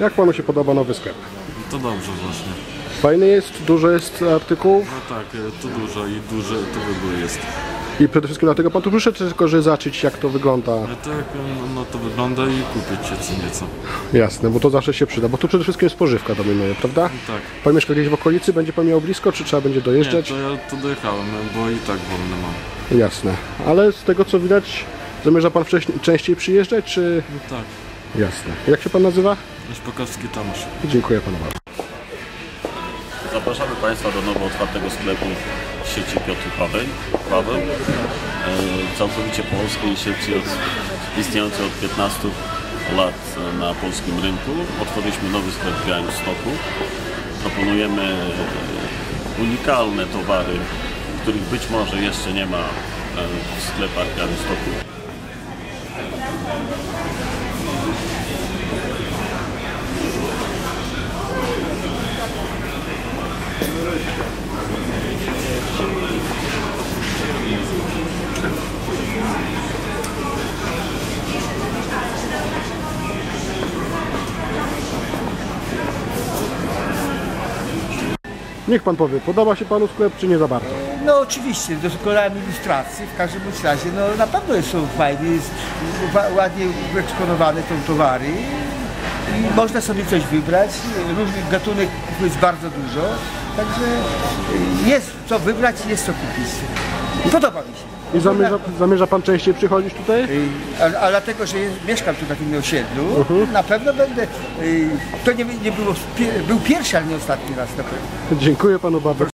Jak panu się podoba nowy sklep? To dobrze właśnie. Fajny jest, dużo jest artykułów No tak, tu dużo i duży to wybór jest. i przede wszystkim dlatego pan tu przyszedł, czy tylko, że zobaczyć jak to wygląda? Tak, no to wygląda i kupić się co nieco. Jasne, bo to zawsze się przyda, bo tu przede wszystkim spożywka dominuje, prawda? Tak. Pan mieszka gdzieś w okolicy, będzie pan miał blisko, czy trzeba będzie Nie, dojeżdżać? to ja tu dojechałem, bo i tak wolne mam. Jasne, ale z tego co widać, zamierza pan częściej przyjeżdżać, czy... No tak. Jasne. Jak się pan nazywa? Szpakowski Tomasz. Dziękuję panu bardzo. Zapraszamy Państwa do nowo otwartego sklepu sieci Piotr Paweł. Całkowicie polskiej sieci istniejącej od 15 lat na polskim rynku. Otworzyliśmy nowy sklep w Białymstoku. Proponujemy unikalne towary, których być może jeszcze nie ma w sklepach w Białymstoku. Niech pan powie, podoba się panu sklep, czy nie za bardzo? No oczywiście, dokonałem ilustracji, w każdym razie no na pewno są fajne, jest ładnie wyeksponowane są towary i można sobie coś wybrać, różnych gatunków jest bardzo dużo, także jest co wybrać i jest co kupić. Podoba mi się. I zamierza pan częściej przychodzić tutaj? A dlatego, że mieszkam tu na tym osiedlu, na pewno będę, to nie było, był pierwszy, ale nie ostatni raz na pewno. Dziękuję panu bardzo.